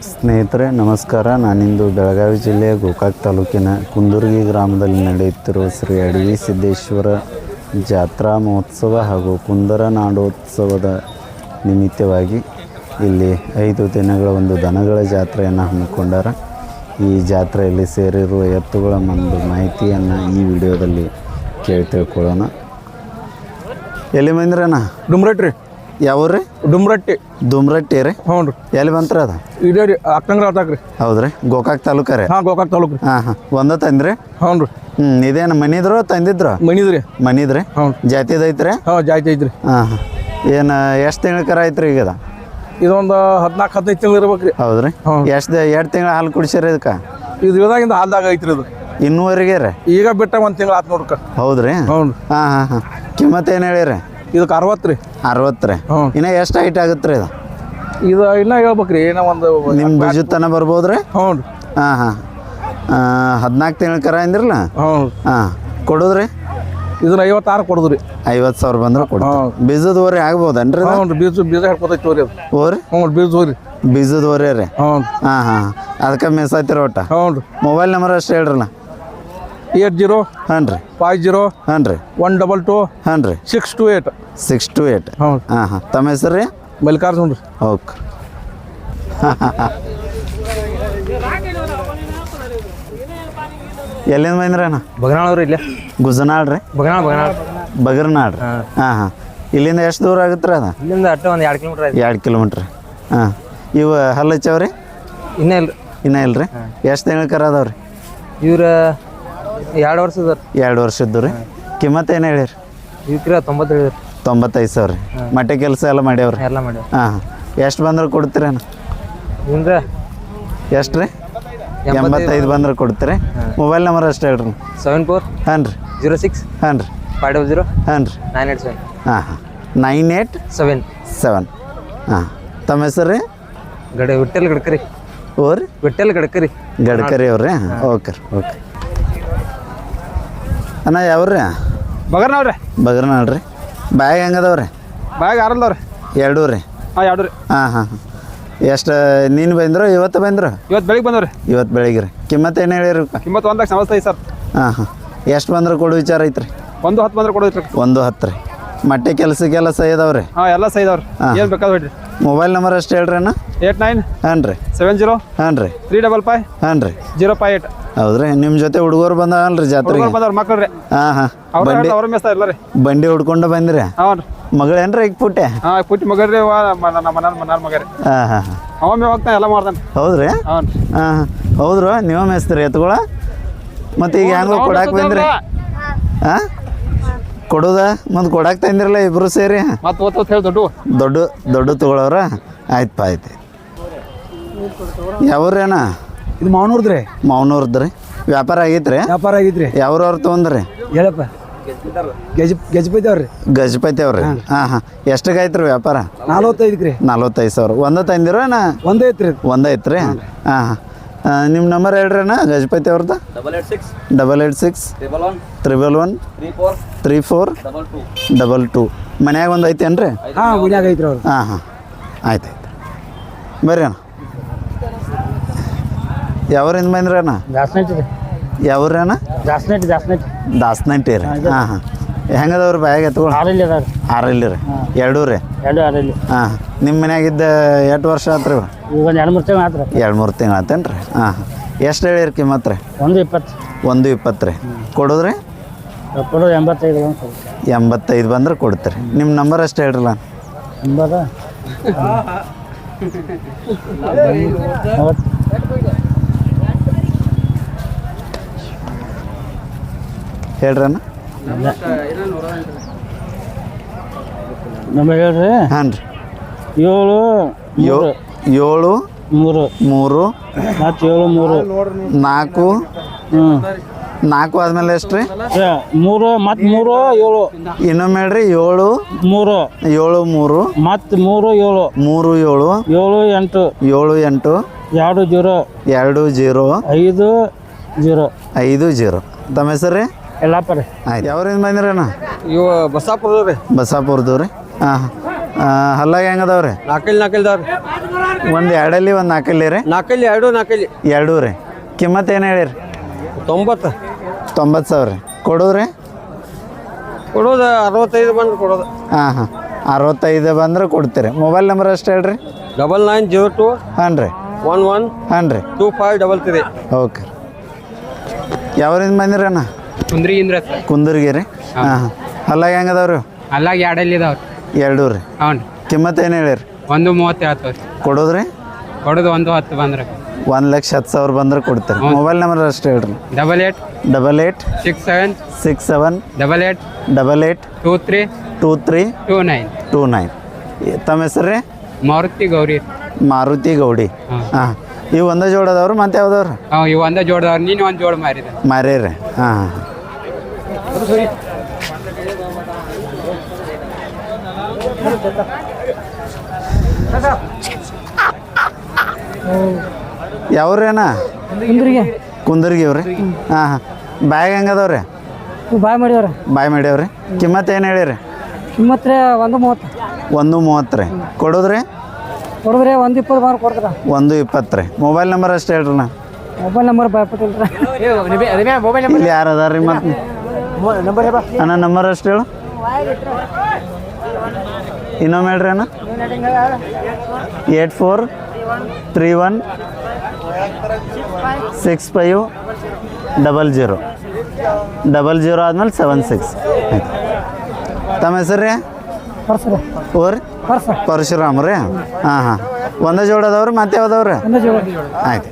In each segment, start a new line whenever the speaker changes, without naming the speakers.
ಸ್ನೇಹಿತರೆ ನಮಸ್ಕಾರ. ನಾನಿಂದು ಬೆಳಗಾವಿ ಜಿಲ್ಲೆಯ ಗೋಕಾಕ್ ತಾಲೂಕಿನ ಕುಂದುರ್ಗಿ ಗ್ರಾಮದಲ್ಲಿ ನಡೆಯುತ್ತಿರುವ ಶ್ರೀ ಅಡವಿ ಸಿದ್ದೇಶ್ವರ ಜಾತ್ರಾ ಮಹೋತ್ಸವ ಹಾಗೂ ಕುಂದರ ನಾಡೋತ್ಸವದ ನಿಮಿತ್ತವಾಗಿ ಇಲ್ಲಿ 5 ದಿನಗಳ ಒಂದು ದನಗಳ ಜಾತ್ರೆಯನ್ನು ಹಮ್ಮಿಕೊಂಡಾರ. ಈ ಜಾತ್ರೆಯಲ್ಲಿ ಸೇರಿರುವ ಎತ್ತುಗಳ ಒಂದು ಮಾಹಿತಿಯನ್ನು ಈ ವಿಡಿಯೋದಲ್ಲಿ ಕೇಳಿ ತಿಳ್ಕೊಳ್ಳೋಣ. ಎಲ್ಲಿ ಬಂದ್ರಣ್ಣ?
ಡುಮ್ರಟ್ಟಿ.
ಯಾವ್ರಿ? ದುಮ್ರಟ್ಟಿ ರೀ.
ಹ್ಞೂ ರೀ.
ಎಲ್ಲಿ ಬಂತ್ರ ಅದ?
ಇದೇ ರೀ ಅಕ್ಕಂಗ್ರ ಆತಾಕ್ರಿ.
ಹೌದ್ರಿ, ಗೋಕಾಕ್ ತಾಲೂಕ ರೀ?
ಹಾಂ, ಗೋಕಾಕ್ ತಾಲೂಕು ರೀ.
ಹಾಂ. ಒಂದ ತಂದ್ರಿ?
ಹ್ಞೂ ರೀ.
ಇದೇನು ಮನಿದ್ರು ತಂದಿದ್ರು? ಮನಿದ್ರಿ.
ಹ್ಞೂ.
ಜಾತಿದ ಐತ್ರಿ?
ಹಾಂ, ಜಾತಿ ಐತ್ರಿ.
ಹಾಂ. ಏನು ಎಷ್ಟು ತಿಂಗಳ ಕರ ಐತ್ರಿ ಈಗ?
ಇದೊಂದು 14-15 ತಿಂಗಳು ಇರ್ಬೇಕು ರೀ.
ಹೌದ್ರಿ. ಎರಡು ತಿಂಗಳ ಹಾಲು ಕುಡಿಸಿರಿ ಇದಕ್ಕೆ?
ಇದು ಇದಾಗಿಂದ ಹಾಲ್ದಾಗ ಐತ್ರಿ ಇದು
ಇನ್ನೂವರೆಗೆ ರೀ?
ಈಗ ಬಿಟ್ಟ 1 ತಿಂಗಳು ಆತು ನೋಡ್ಕ.
ಹೌದ್ರಿ.
ಹ್ಞೂ.
ಹಾಂ. ಕಿಮ್ಮತ್ತು ಏನು ಹೇಳಿರಿ?
ಇದಕ್ಕೆ 60 ರೀ.
60 ರೀ.
ಹ್ಞೂ.
ಇನ್ನು ಎಷ್ಟು ಹೈಟ್ ಆಗುತ್ತೆ ರೀ ಇದು?
ಇದು ಇನ್ನೂ ಹೇಳ್ಬೇಕ್ರಿ, ಏನೋ ಒಂದು
ನಿಮ್ಮ ಬೀಜದ ತನ ಬರ್ಬೋದ್ರಿ?
ಹ್ಞೂ ರೀ.
ಹಾಂ. 14 ತಿಂಗಳ ಕರ ಅಂದಿರಲ್ಲ?
ಹ್ಞೂ.
ಹಾಂ. ಕೊಡೋದ್ರಿ?
ಇದನ್ನ 56 ಕೊಡೋದ್ರಿ.
50,000 ಬಂದ್ರೆ ಕೊಡು. ಬೀಜದ ಓರಿ ಆಗ್ಬೋದನ್ರಿ?
ಹ್ಞೂ ರೀ. ಬೀಜ ಹಾಕ್ಬೋದೈತಿ ತೋರಿ ಅದು.
ಓರಿ?
ಹ್ಞೂ, ಬೀಜ ಓರಿ.
ಬೀಜದ ಓರಿ ರೀ?
ಹ್ಞೂ.
ಹಾಂ. ಅದಕ್ಕೆ ಮೆಸ್ಸಾಯ್ತಿರ ಒಟ್ಟ?
ಹ್ಞೂ ರೀ.
ಮೊಬೈಲ್ ನಂಬರ್ ಅಷ್ಟು ಹೇಳ್ರಲ್ಲ.
80
ಹಾಂ ರೀ
50
ಹಾಂ ರೀ
122
ಹಾಂ ರೀ
628.
628.
ಹ್ಞೂ.
ಹಾಂ. ತಮ್ಮ ಹೆಸರು ರೀ?
ಮಲ್ಲಿಕಾರ್ಜುನ್ ರೀ.
ಓಕೆ. ಎಲ್ಲಿಂದ ಬಂದ್ರಣ್ಣ?
ಬಗನಾಳ್ ರೀ. ಇಲ್ಲೇ
ಗುಜನಾಳ್ ರೀ? ಬಗರ್ನಾಳ್. ಹಾಂ. ಇಲ್ಲಿಂದ ಎಷ್ಟು ದೂರ ಆಗುತ್ತೆ ರೀ ಅದು?
ಇಲ್ಲಿಂದ ಅಟ್ಟ ಒಂದು 2 ಕಿಲೋಮೀಟ್ರ್.
2 ಕಿಲೋಮೀಟ್ರ್. ಹಾಂ. ಇವು ಹಲ್ಲು ಹಚ್ಚವ್ರಿ?
ಇನ್ನೇ ಇಲ್ಲ.
ಇನ್ನೂ ಇಲ್ಲ ರೀ? ಎಷ್ಟು ತಿಂಗಳ ಕರ ಅದಾವ ರೀ?
ಇವ್ರ 2 ವರ್ಷದ.
2 ವರ್ಷದ್ದು ರೀ. ಕಿಮ್ಮತ್ತು ಏನು ಹೇಳಿರಿ?
ಇವಕ್ಕಿರ 90 ಹೇಳಿರಿ.
95,000 ರೀ. ಮಟ್ಟೆ ಕೆಲಸ ಎಲ್ಲ ಮಾಡ್ಯಾವ್ರಿ?
ಎಲ್ಲ ಮಾಡ್ಯಾವ.
ಹಾಂ. ಎಷ್ಟು ಬಂದ್ರೆ ಕೊಡ್ತೀರೇನು?
ಇವ್ರ
ಎಷ್ಟು ರೀ? 85 ಬಂದ್ರೆ ಕೊಡ್ತೀರಿ. ಮೊಬೈಲ್ ನಂಬರ್ ಅಷ್ಟು ಹೇಳ್ರಿ.
74
ಹಾಂ ರೀ
06
ಹಾಂ ರೀ
500
ಹಾಂ ರೀ
987.
ಹಾಂ. 987. ಹಾಂ. ತಮ್ಮ ಹೆಸರು ರೀ?
ವಿಠ್ಠಲ್ ಗಡ್ಕರಿ.
ಓರಿ?
ವಿಠ್ಠಲ್ ಗಡ್ಕರಿ.
ಗಡ್ಕರಿ ಅವ್ರಿ? ಓಕೆ ರೀ. ಓಕೆ ಅಣ್ಣ. ಯಾವ್ರಿ?
ಬಗರ್ನಾಳ್ರಿ.
ಬಗರ್ನಾಳ್ ರೀ. ಬ್ಯಾಗ್ ಹೆಂಗದವ್ರಿ?
ಬ್ಯಾಗ್ 6 ಅದಾವ್ರಿ.
2 ರೀ?
ಹಾಂ, 2 ರೀ.
ಹಾಂ. ಎಷ್ಟು ನೀನು ಬಂದ್ರು? ಇವತ್ತು ಬಂದ್ರು?
ಇವತ್ತು ಬೆಳಿಗ್ಗೆ ಬಂದವ್ರಿ.
ಇವತ್ತು ಬೆಳಿಗ್ಗೆ ರೀ. ಕಿಮ್ಮತ್ತು ಏನು ಹೇಳಿರಿ?
ಕಿಮ್ಮತ್ತು 1,95,000 ಸರ್.
ಹಾಂ. ಎಷ್ಟು ಬಂದ್ರೆ ಕೊಡು ವಿಚಾರ ಐತ್ರಿ?
110 ಬಂದ್ರೆ ಕೊಡೋದ್ರಿ.
110 ರೀ. ಮಟ್ಟೆ ಕೆಲಸಕ್ಕೆಲ್ಲ ಸೈ ಅದಾವ್ರಿ?
ಹಾಂ, ಎಲ್ಲ ಸೈ ಇದಾವ್ರಿ. ಏನು ಬೇಕಾದ್ರೆ ಹೇಳ್ರಿ.
ಮೊಬೈಲ್ ನಂಬರ್ ಅಷ್ಟು ಹೇಳ್ರಿ ಅಣ್ಣ.
89
ಹಾಂ ರೀ
70
ಹಾಂ ರೀ
355
ಹಾಂ ರೀ
058.
ಹೌದ್ರಿ. ನಿಮ್ಮ ಜೊತೆ ಹುಡುಗರು ಬಂದವಲ್ರಿ ಜಾತ್ರೆಗೆ?
ಬಂದವ್ರು ಮಕ್ಕಳು ರೀ.
ಹಾಂ.
ಅವ್ರ ಮೇಸ್ತಾ ಇಲ್ಲ ರೀ.
ಬಂಡಿ ಹುಡ್ಕೊಂಡು ಬಂದಿರಿ?
ಹಾಂ ರೀ.
ಮಗಳೇನ್ರಿ ಈಗ ಪುಟ್ಟೆ?
ಹಾಂ, ಪುಟ್ಟಿ ಮಗರಿ. ಮನಾರ್ ಮಗ ರೀ.
ಹಾಂ.
ಅವಮ್ಮೆ ಹೋಗ್ತಾನೆ, ಎಲ್ಲ ಮಾಡ್ತಾನೆ.
ಹೌದ್ರಿ?
ಹಾಂ.
ಹೌದ್ರು. ನೀವು ಮೇಸ್ತೀರಿ ಎತ್ಕೊಳ? ಮತ್ತು ಈಗ ಹೆಂಗೋ ಕೊಡಾಕ್ ಬಂದ್ರಿ? ಹಾಂ. ಕೊಡೋದ ಮತ್ತು ಕೊಡಾಕ್ ತಂದಿರಲ್ಲ ಇಬ್ರು ಸೇರಿ?
ಮತ್ತೆ ಹೇಳಿ
ದೊಡ್ಡ ತಗೊಳವ್ರ? ಆಯ್ತು. ಯಾವ್ರಿ ಅಣ್ಣ?
ಇದು ಮಾವನೂರ್ದ್ರಿ.
ಮಾವನೂರ್ದ್ರಿ. ವ್ಯಾಪಾರ ಆಗೈತ್ರಿ?
ವ್ಯಾಪಾರ ಆಗೈತ್ರಿ.
ಯಾವ್ರವ್ರು ತೊಗೊಂಡ್ರಿ?
ಹೇಳಪ್ಪ. ಗಜಪತಿ ಅವ್ರಿ.
ಗಜಪತಿ ಅವ್ರಿ? ಹಾಂ. ಎಷ್ಟಿಗೆ ಆಯ್ತು ರೀ ವ್ಯಾಪಾರ?
45 ರೀ.
45,000. ಒಂದ ತಂದಿರೋ ಅಣ್ಣ?
ಒಂದೇ ಐತ್ರಿ.
ಒಂದೈತ್ರಿ? ಹಾಂ. ನಿಮ್ಮ ನಂಬರ್ ಹೇಳ್ರಿ ಅಣ್ಣ ಗಜಪತಿ ಅವ್ರದ್ದು? 886 111 34 22. ಮನ್ಯಾಗ ಒಂದು ಐತೇನ್ರಿ?
ಹಾಂ, ಮನ್ಯಾಗ ಐತ್ರಿ ಅವ್ರು.
ಹಾಂ. ಆಯ್ತು. ಬರ್ರಿ ಅಣ್ಣ. ಯಾವ್ರಿಂದ ಬಂದ್ರಿ ಅಣ್ಣ? ಯಾವ್ರಿ ಅಣ್ಣ? ದಾಸನಟ್ಟಿ ರೀ. ಹಾಂ. ಹೆಂಗದವ್ರಿ ಬ್ಯಾಗ್ ಎತ್ಕೊಂಡು? 6 ರೀ? 2 ರೀ? ಹಾಂ. ನಿಮ್ಮ ಮನ್ಯಾಗಿದ್ದ ಎಷ್ಟು ವರ್ಷ ಆತು ರೀ? 2-3 ತಿಂಗಳು ಆತೇನು ರೀ? ಹಾಂ. ಎಷ್ಟು ಹೇಳಿರಿ ಕಿಮ್ಮತ್ತು ರೀ? 120 ರೀ. ಕೊಡೋದ್ರಿ? 85 ಬಂದ್ರೆ ಕೊಡ್ತೀರಿ. ನಿಮ್ಮ ನಂಬರ್ ಅಷ್ಟು ಹೇಳ್ರಲ್ಲ. ಹೇಳ್ರಿ ಅಣ್ಣ.
ನಮಗೆ ಹೇಳ್ರಿ.
ಹಾಂ ರೀ
7
3
3 ಮತ್ತು 7 3
4 ಆದ್ಮೇಲೆ ಎಷ್ಟು ರೀ?
3 ಮತ್ತು 3 7.
ಇನ್ನೊಮ್ಮೆ ಹೇಳ್ರಿ. 7
3
7 3
ಮತ್ತು 3 7
3 7
7 8 20 50.
ತಮ್ಮ ಹೆಸರು ರೀ?
ಎಲ್ಲಪ್ಪ ರೀ.
ಆಯ್ತು. ಯಾವ್ರಿಂದ ಬಂದಿರಿ ಅಣ್ಣ?
ಇವು ಬಸಾಪುರ ರೀ.
ಬಸಾಪುರದವ್ರಿ? ಹಾಂ. ಹಲ್ಲಾಗ ಹೆಂಗದವ್ರಿ?
4 4 ಇದಾವ್ರಿ.
ಒಂದು ಎರಡಲ್ಲಿ ಒಂದು ನಾಲ್ಕಲ್ಲಿ ರೀ
ನಾಲ್ಕಲ್ಲಿ ನಾಲ್ಕಲ್ಲಿ
ಎರಡೂ ರೀ ಕಿಮ್ಮತ್ತು ಏನು ಹೇಳಿರಿ 90 ಸಾವಿರ ರೀ ಕೊಡೋದ್ರಿ
ಕೊಡೋದು 65 ಬಂದು ಕೊಡೋದು.
ಹಾಂ 65 ಬಂದ್ರೆ ಕೊಡ್ತೀರಿ. ಮೊಬೈಲ್ ನಂಬರ್ ಅಷ್ಟು ಹೇಳ್ರಿ.
9902
ಹಾಂ ರೀ
11
ಹಾಂ ರೀ
2533.
ಓಕೆ. ಯಾವ್ರಿಂದ ಬಂದಿರಣ್ಣ? ಕುಂದರ್ಗಿ ರೀ. ಹಾಂ ಅಲ್ಲಾಗ ಹೆಂಗದವ್ರಿ?
ಅಲ್ಲಾಗ ಎರಡಲ್ಲಿ ಇದಾವ್ರಿ.
ಎರಡೂ ರೀ.
ಹ್ಞೂ ರೀ.
ಕಿಮ್ಮತ್ತು ಏನು ಹೇಳಿರಿ?
130 ಹೇಳ್ತವ್ರಿ.
ಕೊಡೋದ್ರಿ?
ಕೊಡೋದು 110 ಬಂದ್ರೆ
1,10,000 ಬಂದ್ರೆ ಕೊಡ್ತೀರಿ. ಮೊಬೈಲ್ ನಂಬರ್ ಅಷ್ಟು ಹೇಳ್ರಿ.
88 67
67
88 23 29.
ತಮ್ಮ ಹೆಸರು ರೀ? ಮಾರುತಿ ಗೌಡಿ. ಹಾಂ ಇವು ಒಂದೇ ಜೋಡದವ್ರು ಮತ್ತೆ ಯಾವ್ದವ್ರು?
ಇವು ಒಂದೇ ಜೋಡದವ್ರು. ನೀನು ಒಂದು ಜೋಡ ಮಾರಿದೆ.
ಮಾರೇರಿ. ಹಾಂ ಯಾವ್ರೇನ? ಕುಂದರ್ಗಿ ಅವ್ರಿ. ಹಾಂ ಬ್ಯಾಗ್ ಹೆಂಗದವ್ರಿ? ಬಾಯ್ ಮಾಡ್ಯಾವ್ರಿ. ಕಿಮ್ಮತ್ತು ಏನು ಹೇಳಿರಿ?
ಕಿಮ್ಮತ್ರೆ 130.
130 ರೀ. ಕೊಡೋದ್ರಿ?
120 ಮಾರು ಕೊಡ್ತಾರ.
120 ರೀ. ಮೊಬೈಲ್ ನಂಬರ್ ಅಷ್ಟು ಹೇಳ್ರಿ.
ಮೊಬೈಲ್ ನಂಬರ್ ಬಾಯ್ಪಟ್ಟಿಲ್ರಿ.
ಇಲ್ಲಿ ಯಾರು ಅದಾರ ರೀ? ಮತ್ತೆ ಅಣ್ಣ ನಂಬರ್ ಅಷ್ಟು ಹೇಳು. ಇನ್ನೊಮ್ಮೆ ಹೇಳ್ರಿ ಅಣ್ಣ. 8431 6500 ಆದ್ಮೇಲೆ 76. ತಮ್ಮ ಹೆಸರು ರೀ? ಓರಿ ಪರಶುರಾಮ್ ರೀ. ಹಾಂ ಒಂದೇ ಜೋಡದವ್ರಿ ಮತ್ತೆ ಯಾವ್ದವ್ರಿ? ಆಯ್ತು.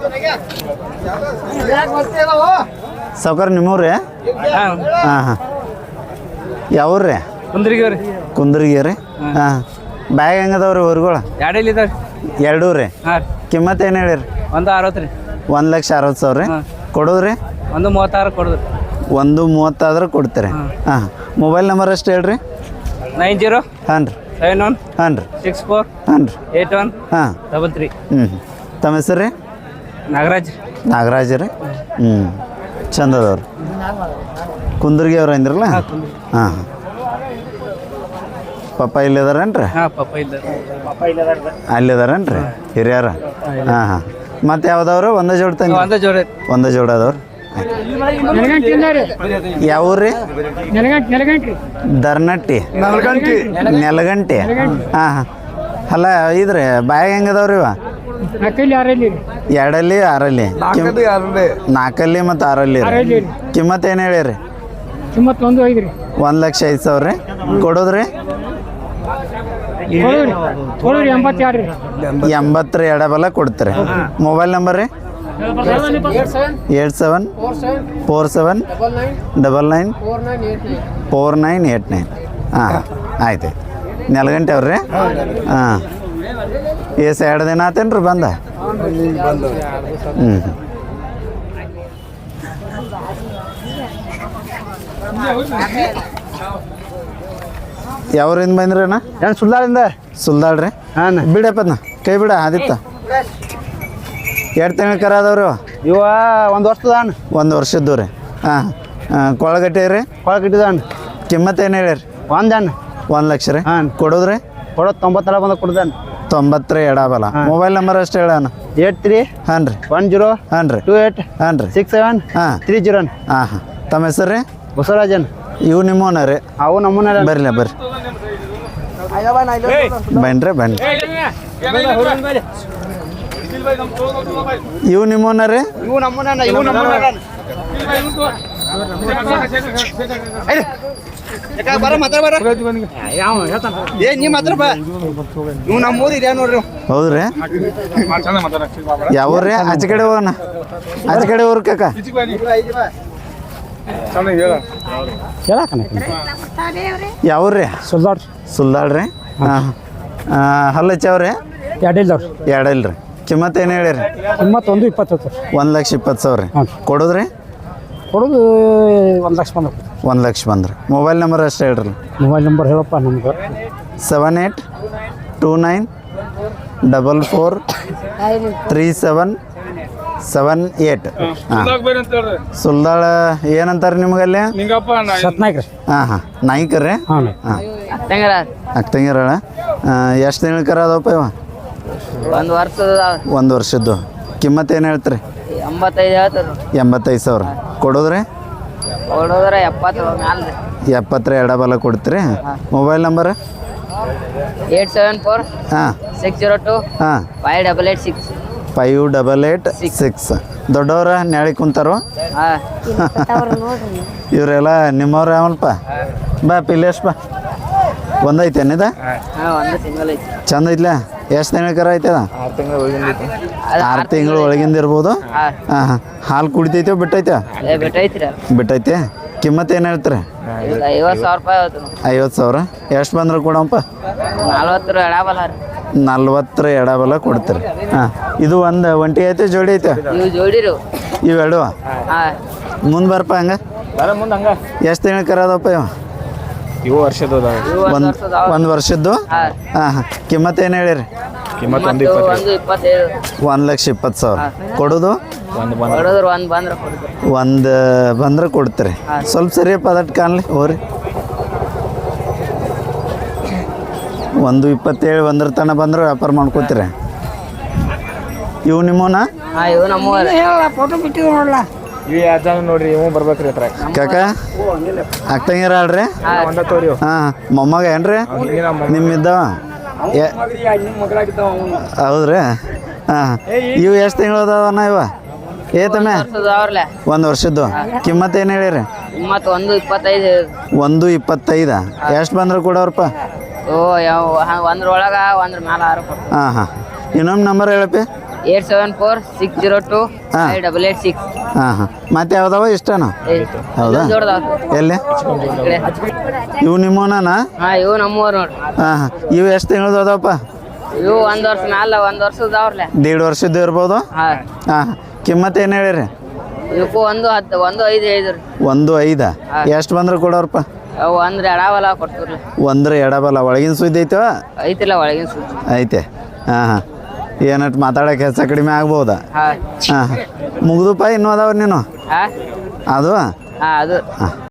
ಸಾವ್ಕಾರ ನಿಮ್ಮೂರಿ? ಹಾಂ ಯಾವ್ರಿ? ಕುಂದರ್ಗಿ ರೀ. ಹಾಂ ಬ್ಯಾಗ್ ಹೆಂಗದವ್ರಿ ಊರುಗಳು? ಎರಡೂ ರೀ. ಕಿಮ್ಮತ್ತು ಏನು ಹೇಳಿರಿ?
160 ರೀ.
1,60,000 ರೀ. ಕೊಡೋದ್ರಿ?
136 ಕೊಡೋದು.
130 ಆದ್ರೆ ಕೊಡ್ತೀರಿ. ಹಾಂ ಮೊಬೈಲ್ ನಂಬರ್ ಅಷ್ಟು ಹೇಳ್ರಿ.
90
ಹಾಂ ರೀ
71
ಹಾಂ ರೀ
64
ಹಾಂ ರೀ
81
ಹಾಂ
33.
ತಮ್ಮ ಹೆಸರು ರೀ? ನಾಗರಾಜ್ ರೀ. ಚಂದದವ್ರು. ಕುಂದರ್ಗಿ ಅವ್ರು ಅಂದ್ರಲ್ಲ? ಹಾಂ ಪಪ್ಪ ಇಲ್ಲಿದಾರೇನ್ರಿ? ಅಲ್ಲಿದಾರೇನ್ರಿ ಹಿರಿಯರ? ಹಾಂ ಮತ್ತೆ ಯಾವ್ದವ್ರು? ಒಂದೇ ಜೋಡ ತಂಗಿ? ಒಂದೇ ಜೋಡ ಅದಾವ್ರು. ಯಾವ ಊರು ರೀ? ದರ್ನಟ್ಟಿ ನೆಲಗಂಟಿ. ಹಾಂ ಅಲ್ಲ ಇದ್ರಿ ಬ್ಯಾಗ್ ಹೆಂಗದವ್ರಿ ಇವ? ಎರಡಲ್ಲಿ 6ಅಲ್ಲಿ 4ಅಲ್ಲಿ ಮತ್ತು 6ಅಲ್ಲಿ ರೀ. ಕಿಮ್ಮತ್ತು ಏನು ಹೇಳಿರಿ? 1,05,000 ರೀ. ಕೊಡೋದ್ರಿ? 80 ರೀ. ಎಡಬಲ ಕೊಡ್ತೀರಿ. ಮೊಬೈಲ್ ನಂಬರ್ ರೀ? 87 47 99 4989. ಹಾಂ ಆಯ್ತು. ನೆಲಗಂಟೆ ಅವ್ರಿ. ಹಾಂ ಎಷ್ಟು 2 ದಿನ ಆತೇನು ರೀ ಬಂದ? ಯಾವ್ರಿಂದ ಬಂದ್ರಿ ಅಣ್ಣ?
ಏನು
ಸುಲ್ದಾಳ್ ರೀ.
ಹಾಂ
ಬಿಡಪ್ಪನ ಕೈ ಬಿಡ ಆದಿತ್ತ. ಎರಡು ತಿಂಗಳು ಕರ ಅದಾವ್ರಿ
ಇವ 1 ವರ್ಷದ ಹಣ್ಣು.
1 ವರ್ಷದ್ದು ರೀ. ಹಾಂ ಕೊಳಗಟ್ಟೆ ರೀ.
ಕೊಳಗಟ್ಟಿದ ಹಣ್ಣು.
ಕಿಮ್ಮತ್ತು ಏನು ಹೇಳಿರಿ?
1 ಹಣ್ಣು
1 ಲಕ್ಷ ರೀ.
ಹಾಂ
ಕೊಡೋದ್ರಿ?
ಕೊಡೋದು 90 ಬಂದ ಕೊಡ್ದಾನೆ.
90 ರೀ ಎಡಬಲ. ಮೊಬೈಲ್ ನಂಬರ್ ಅಷ್ಟು ಹೇಳಣ್ಣ.
83
ಹಾಂ ರೀ
10
ಹಾಂ ರೀ
28
ಹಾಂ ರೀ
67
ಹಾಂ
30.
ಹಾಂ ತಮ್ಮ ಹೆಸರು ರೀ?
ಬಸವರಾಜನ್.
ಇವು ನಿಮ್ಮೋನ ರೀ?
ಅವು ನಮ್ಮನ್ನ
ಬರ್ರಿ ಬರ್ರಿ ಬನ್ರಿ. ಇವು ನಿಮ್ಮೋನ ರೀ?
ಇವು ನಮ್ಮನ್ನ
ಹೌದ್ರಿ. ಯಾವ ರೀ? ಆಚೆ ಕಡೆ ಹೋಗೋಣ. ಆಚೆ ಕಡೆ ಊರ್ ಕಾಕ ಯಾವ ರೀ? ಸುಲ್ದಾಳ್ ರೀ. ಹಾಂ ಹಲ್ಲಚ್ಚವ್ರಿ? ಎರಡಲ್ಲ ರೀ. ಕಿಮ್ಮತ್ತು ಏನು ಹೇಳಿರಿ? 1,20,000 ರೀ. ಕೊಡೋದ್ರಿ?
ಕೊಡೋದು 1 ಲಕ್ಷ ಬಂದ.
1 ಲಕ್ಷ ಬಂದ್ರಿ. ಮೊಬೈಲ್ ನಂಬರ್ ಅಷ್ಟು ಹೇಳ್ರಿ.
ಮೊಬೈಲ್ ನಂಬರ್ ಹೇಳಪ್ಪ ನಮ್ಗೆ.
7829 44 3778. ಹಾಂ ಸುಲ್ದಾಳ ಏನಂತಾರೆ ನಿಮಗಲ್ಲಿ?
ಸತ್ನಾಯ್ಕ ರೀ.
ಹಾಂ ನಾಯ್ಕ ರೀ.
ಹಾಂ
ಹಾಂ ಅಕ್ಕಂಗಿರಳ. ಎಷ್ಟು ತಿಂಗಳು ಕರ ಅದಪ್ಪ ಇವ?
ಒಂದು ವರ್ಷದ
ಒಂದು ವರ್ಷದ್ದು ಕಿಮ್ಮತ್ತು ಏನು ಹೇಳ್ತೀರಿ
85 ಹೇಳ್ತಾರೆ
85,000 ಕೊಡೋದ್ರಿ
ಕೊಡೋದ್ರ 70 ಮ್ಯಾಲ
70 ಎಡಬಲ ಕೊಡ್ತೀರಿ ಮೊಬೈಲ್ ನಂಬರ್
874
ಹಾಂ
602
ಹಾಂ
5886
5886 ದೊಡ್ಡವ್ರ ನ್ಯಾಳಿ ಕುಂತಾರೋ
ಹಾಂ
ಇವರೆಲ್ಲ ನಿಮ್ಮವ್ರ ಯಾವಲ್ಪ ಬಾ ಪಿಲೇಶ್ ಬಾ ಒಂದೈತೇನಿದ
ಹಾಂ ಒಂದು ಸಿಂಗಲ್ ಐತಿ
ಚಂದ ಐತ್ಲ ಎಷ್ಟು ತಿಂಗಳ ಐತದ 6 ತಿಂಗಳು ಒಳಗಿಂದ ಇರ್ಬೋದು
ಹಾಂ
ಹಾಂ ಹಾಂ ಹಾಲು ಕುಡಿತೈತೆ ಬಿಟ್ಟೈತೆ
ಬಿಟ್ಟೈತ್ರಿ
ಬಿಟ್ಟೈತೆ ಕಿಮ್ಮತ್ತು ಏನು ಹೇಳ್ತೀರಿ
50,000 ರೂಪಾಯಿ ಆಯ್ತು
50,000 ಎಷ್ಟು ಬಂದ್ರೆ ಕೊಡಪ್ಪ
40 ಎಡಬಲ ರೀ
40 ಎಡಬಲ ಕೊಡ್ತೀರಿ ಹಾಂ ಇದು ಒಂದು ಒಂಟಿ ಐತೆ ಜೋಡಿ ಐತೆ
ಇವು ಜೋಡಿರು
ಇವೆರಡು
ಹಾಂ
ಮುಂದೆ ಬರ್ಪ ಹಂಗೆ ಎಷ್ಟು ತಿಂಗಳು ಕರದಪ್ಪ ಇವ
ಇವು ಒಂದು ವರ್ಷದ
ಒಂದು ವರ್ಷದ್ದು
ಹಾಂ
ಹಾಂ ಹಾಂ ಕಿಮ್ಮತ್ತು ಏನು ಹೇಳಿರಿ
ಒಂದು 25
1,20,000 ಕೊಡೋದು
ಕೊಡೋದ್ರ ಒಂದು ಬಂದ್ರೆ ಕೊಡ್ತೀವಿ
ಒಂದು ಬಂದ್ರೆ ಕೊಡ್ತೀರಿ ಸ್ವಲ್ಪ ಸರಿಯಪ್ಪ ಅದಟ್ಟು ಕಾಣಲಿ ಹೋರಿ 1,27 ಒಂದ್ರ ತನಕ ಬಂದ್ರೆ ವ್ಯಾಪಾರ ಮಾಡ್ಕೋತೀರಿ ಇವು ನಿಮ್ಮನ
ಹಾಂ ಇವು ನಮ್ಮ
ಫೋಟೋ ಬಿಟ್ಟಿದ್ದು ನೋಡಲ್ಲ
ನೋಡ್ರಿ ಇವ್ ಬರ್ಬೇಕ್ರಿ ಹತ್ರ
ಕಾಕ ಅಕ್ಕಂಗಿರ ಅಲ್ರಿ ಹಾಂ ಮೊಮ್ಮಗ ಏನ್ರಿ ನಿಮ್ಮಿದ್ದವ ಹೌದ್ರಿ ಹಾಂ ಇವು ಎಷ್ಟು ತಿಂಗಳು ಅದಾವಣ್ಣ ಇವ ಏತಮ್ಮೆ
ಅವ್ರಲ್ಲ
ಒಂದು ವರ್ಷದ್ದು ಕಿಮ್ಮತ್ತು ಏನು ಹೇಳಿರಿ
ಮತ್ತು 125
1,25 ಎಷ್ಟು ಬಂದ್ರೆ ಕೊಡೋರಪ್ಪ
ಓ ಯಾವ ಒಂದ್ರೊಳಗ ಒಂದ್ರ ಮ್ಯಾಲ 6 ಕೊಡ್ತೀವಿ
ಹಾಂ ಹಾಂ ಇನ್ನೊಂದು ನಂಬರ್ ಹೇಳಪ್ಪಿ
874 602 5886
ಹಾಂ ಹಾಂ ಮತ್ತೆ ಯಾವ್ದಾವ ಇಷ್ಟನಾ ಹೌದಾ ಎಲ್ಲಿ ಇವು ನಿಮ್ಮನ
ಹಾಂ ಇವು ನಮ್ಮೂರು ನೋಡ್ರಿ
ಹಾಂ ಹಾಂ ಇವು ಎಷ್ಟು ತಿಂಗಳದ್ದು ಅದಾವಪ್ಪ
ಇವು ಒಂದು ವರ್ಷ ಮ್ಯಾಲ ಒಂದು ವರ್ಷದವ್ರಲ್ಲ
1.5 ವರ್ಷದ್ದು ಇರ್ಬೋದು
ಹಾಂ
ಹಾಂ ಹಾಂ ಕಿಮ್ಮತ್ತು ಏನು ಹೇಳಿರಿ
ಇವಕ್ಕೂ 1.5 ಹೇಳಿದ್ರಿ
1,5 ಎಷ್ಟು ಬಂದ್ರೆ ಕೊಡೋರಪ್ಪ
ಅವು ಅಂದ್ರೆ ಎಡಬಲ ಕೊಡ್ತೀವ್ರಿ
ಒಂದ್ರ ಎಡಬಲ ಒಳಗಿನ ಸುದ್ದಿ ಐತವ
ಐತಿಲ್ಲ ಒಳಗಿನ ಸುದ್ದಿ
ಐತೆ ಹಾಂ ಹಾಂ ಏನಟ್ಟು ಮಾತಾಡೋಕೆ ಹೆಚ್ಚು ಕಡಿಮೆ ಆಗ್ಬೋದಾ
ಹಾಂ
ಹಾಂ ಮುಗ್ದುಪ್ಪ ಇನ್ನೂ ಅದಾವ ನೀನು
ಹಾಂ
ಅದು
ಹಾಂ ಅದು
ಹಾಂ